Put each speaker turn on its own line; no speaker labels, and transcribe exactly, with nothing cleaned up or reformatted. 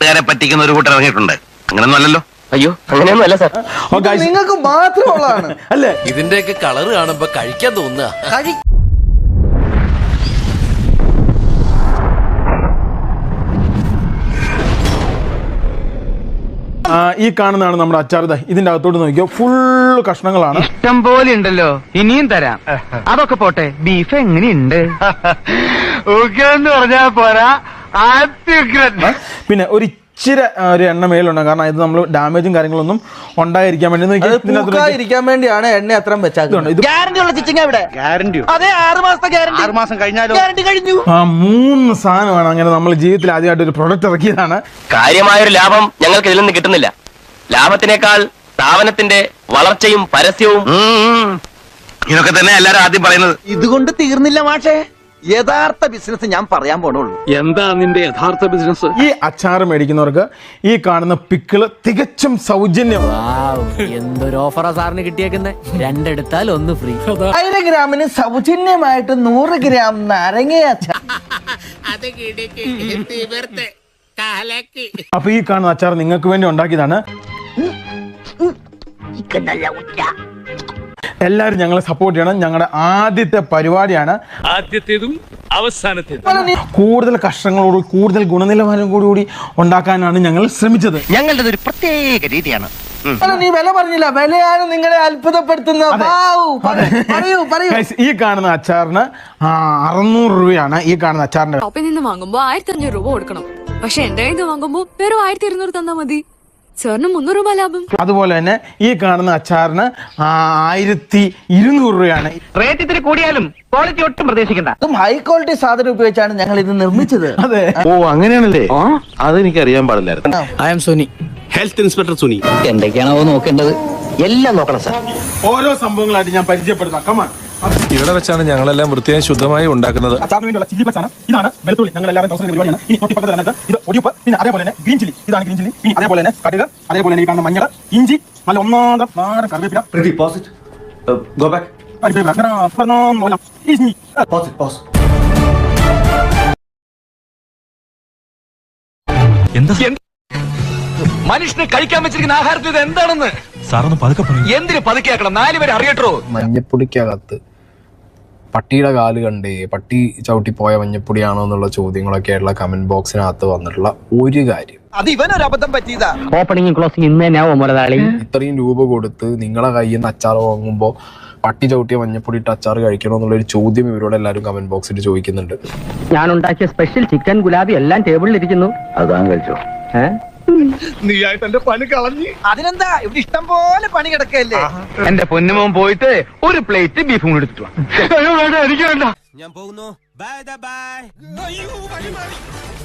നാട്ടുകാരെ പറ്റിക്കുന്ന ഒരു കൂട്ടർ ഇറങ്ങിയിട്ടുണ്ട്. അങ്ങനെയൊന്നും അല്ലല്ലോ.
അയ്യോ അങ്ങനെയൊന്നും അല്ല സാർ.
നിങ്ങൾക്ക് മാത്രമുള്ളതാണ്.
അല്ലേ?
ഇതിന്റെയൊക്കെ കളർ കാണുമ്പോ കഴിക്കാൻ തോന്നുക.
ഈ കാണുന്നതാണ് നമ്മുടെ അച്ചാർ. ഇതിന്റെ അകത്തോട്ട് നോക്കിയോ, ഫുള്ള് കഷ്ണങ്ങളാണ്.
ഇഷ്ടം പോലെ ഉണ്ടല്ലോ, ഇനിയും തരാം. അതൊക്കെ പോട്ടെ, ബീഫ് എങ്ങനെയുണ്ട്? എന്ന് പറഞ്ഞാ പോരാ.
പിന്നെ ഒരു ഇച്ചിരി ഒരു എണ്ണ മേലുണ്ട്, കാരണം ഇത് നമ്മൾ ഡാമേജും കാര്യങ്ങളൊന്നും ഉണ്ടായിരിക്കാൻ വേണ്ടി
ഇരിക്കാൻ വേണ്ടിയാണ് എണ്ണ അത്രയും വെച്ചാൽ.
ആ മൂന്ന് സാധനമാണ് അങ്ങനെ നമ്മൾ ജീവിതത്തിൽ ആദ്യമായിട്ട് ഒരു പ്രൊഡക്റ്റ് ഇറക്കിയതാണ്.
കാര്യമായൊരു ലാഭം ഞങ്ങൾക്ക് ഇതിൽ നിന്ന് കിട്ടുന്നില്ല. ലാഭത്തിനേക്കാൾ സ്ഥാപനത്തിന്റെ വളർച്ചയും പരസ്യവും.
ഇതൊക്കെ തന്നെ എല്ലാരും ആദ്യം പറയുന്നത്.
ഇതുകൊണ്ട് തീർന്നില്ല മാഷേ, യഥാർത്ഥ ബിസിനസ് ഞാൻ പറയാൻ പോണുള്ളൂ.
എന്താ നിന്റെ യഥാർത്ഥ ബിസിനസ്?
ഈ അച്ചാർ മേടിക്കുന്നവർക്ക് ഈ കാണുന്ന പിക്കിള് തികച്ചും സൗജന്യം.
എന്തൊരു ഓഫറാ സാറിന് കിട്ടിയേക്കുന്നത്? രണ്ടെടുത്താൽ ഒന്ന് ഫ്രീ.
ആയിരം ഗ്രാമിന് സൗജന്യമായിട്ട് നൂറ് ഗ്രാം നാരങ്ങ അച്ചാർ.
അപ്പൊ ഈ കാണുന്ന അച്ചാർ നിങ്ങൾക്ക് വേണ്ടി ഉണ്ടാക്കിയതാണ്. എല്ലാരും ഞങ്ങളെ സപ്പോർട്ട് ചെയ്യണം. ഞങ്ങളുടെ ആദ്യത്തെ പരിപാടിയാണ്,
ആദ്യത്തേതും അവസാനത്തേതും.
കൂടുതൽ കഷ്ടങ്ങളോട് കൂടുതൽ ഗുണനിലവാരം കൂടി ഉണ്ടാക്കാനാണ് ഞങ്ങൾ ശ്രമിച്ചത്.
ഞങ്ങളുടെ ഒരു പ്രത്യേക രീതിയാണ്.
നീ വില പറഞ്ഞില്ല, വിലയാണ് നിങ്ങളെ അത്ഭുതപ്പെടുത്തുന്നത്. പറയൂ പറയൂ.
ഈ കാണുന്ന അച്ചാറിന് അറുന്നൂറ് രൂപയാണ്. ഈ കാണുന്ന അച്ചാറിന്റെ
ഷോപ്പിൽ നിന്ന് വാങ്ങുമ്പോ ആയിരത്തി അഞ്ഞൂറ് രൂപ കൊടുക്കണം. പക്ഷെ എന്റെ കയ്യിൽ നിന്ന് വാങ്ങുമ്പോ വെറും ആയിരത്തി ഇരുന്നൂറ് തന്നാ മതി. സാറിന് മുന്നൂറ് രൂപ ലാഭം.
അതുപോലെ തന്നെ ഈ കാണുന്ന അച്ചാറിന് ആയിരത്തി ഇരുന്നൂറ് രൂപയാണ്.
റേറ്റ് ഇത്തിരി കൂടിയാലും ക്വാളിറ്റി ഒട്ടും പ്രതീക്ഷിക്കണ്ട.
അതും ഹൈ ക്വാളിറ്റി സാധനം ഉപയോഗിച്ചാണ് ഞങ്ങൾ ഇത് നിർമ്മിച്ചത്.
അതെ.
ഓ അങ്ങനെയാണല്ലേ? അതെനിക്ക് അറിയാൻ പാടില്ലായിരുന്നു.
I am Suni,
health inspector Suni.
എന്തൊക്കെയാണോ നോക്കേണ്ടത് എല്ലാം നോക്കണം സാർ.
ഓരോ സംഭവങ്ങളായിട്ട് ഞാൻ പരിചയപ്പെടുത്താം. കമാൻ.
ഇവിടെ വെച്ചാണ് ഞങ്ങളെല്ലാം വൃത്തിയായി ശുദ്ധമായി ഉണ്ടാക്കുന്നത്.
അച്ചാറിന് വേണ്ടിയുള്ള ചില്ലി ഫ്ലക്സ് ആണ്. ഇതാണ് വെളുത്തുള്ളി. ഞങ്ങൾ എല്ലാവരും ദിവസം പരിപാടിയാണ്. ഈ തൊട്ടിപ്പുറത്ത് തന്നെ ഇത് ഒടിയപ്പ്, പിന്നെ അതേപോലെ തന്നെ ഗ്രീൻ ചില്ലി. ഇതാണ് ഗ്രീൻ ചില്ലി. പിന്നെ അതേപോലെ തന്നെ കടുക്, അതേപോലെ തന്നെ ഈ കാണുന്ന മഞ്ഞൾ, ഇഞ്ചി, നല്ല ഒന്നാം നാടൻ കറിവേപ്പില.
മനുഷ്യന് കഴിക്കാൻ വെച്ചിരിക്കുന്ന ആഹാരത്തിൽ ഇത് എന്താണെന്ന്
സാറൊന്ന് പതുക്കെ പറയും.
എന്തിനു പതുക്കെയാക്കണം? നാലുപേരെ അറിയട്ടോ.
മഞ്ഞപ്പൊടിക്കകത്ത് പട്ടിയുടെ കാല് കണ്ടേ പട്ടി ചവിട്ടി പോയ മഞ്ഞപ്പൊടിയാണോ എന്നുള്ള ചോദ്യങ്ങളൊക്കെ ആയിട്ടുള്ള കമന്റ് ബോക്സിനകത്ത് വന്നിട്ടുള്ള ഒരു കാര്യം,
അത് ഇവനൊരു അബദ്ധം പറ്റിയതാ.
ഓപ്പണിംഗും ക്ലോസിംഗ് ഇന്ന് തന്നെ ആവും മുതലാളി.
ഇത്രയും രൂപ കൊടുത്ത് നിങ്ങളെ കയ്യിൽ നിന്ന് അച്ചാർ വാങ്ങുമ്പോൾ പട്ടി ചവിട്ടിയ മഞ്ഞപ്പൊടി ഇട്ട് അച്ചാർ കഴിക്കണോ എന്നുള്ളൊരു ചോദ്യം ഇവരോട് എല്ലാവരും കമന്റ് ബോക്സിൽ ചോദിക്കുന്നുണ്ട്.
ഞാൻ ഉണ്ടാക്കിയ സ്പെഷ്യൽ ചിക്കൻ ഗുലാബി എല്ലാം ടേബിളിൽ ഇരിക്കുന്നു. അതാ കഴിച്ചോ?
നീയായിട്ട് എന്റെ പണി കളഞ്ഞ്.
അതിനെന്താ, ഇവിടെ ഇഷ്ടം പോലെ പണി കിടക്കല്ലേ.
എന്റെ പൊന്നുമോൻ പോയിട്ട് ഒരു പ്ലേറ്റ് ബീഫും കൂടി എടുത്തിട്ട് വാ.
എനിക്ക് വേണ്ട.
ഞാൻ പോകുന്നു. Bye by.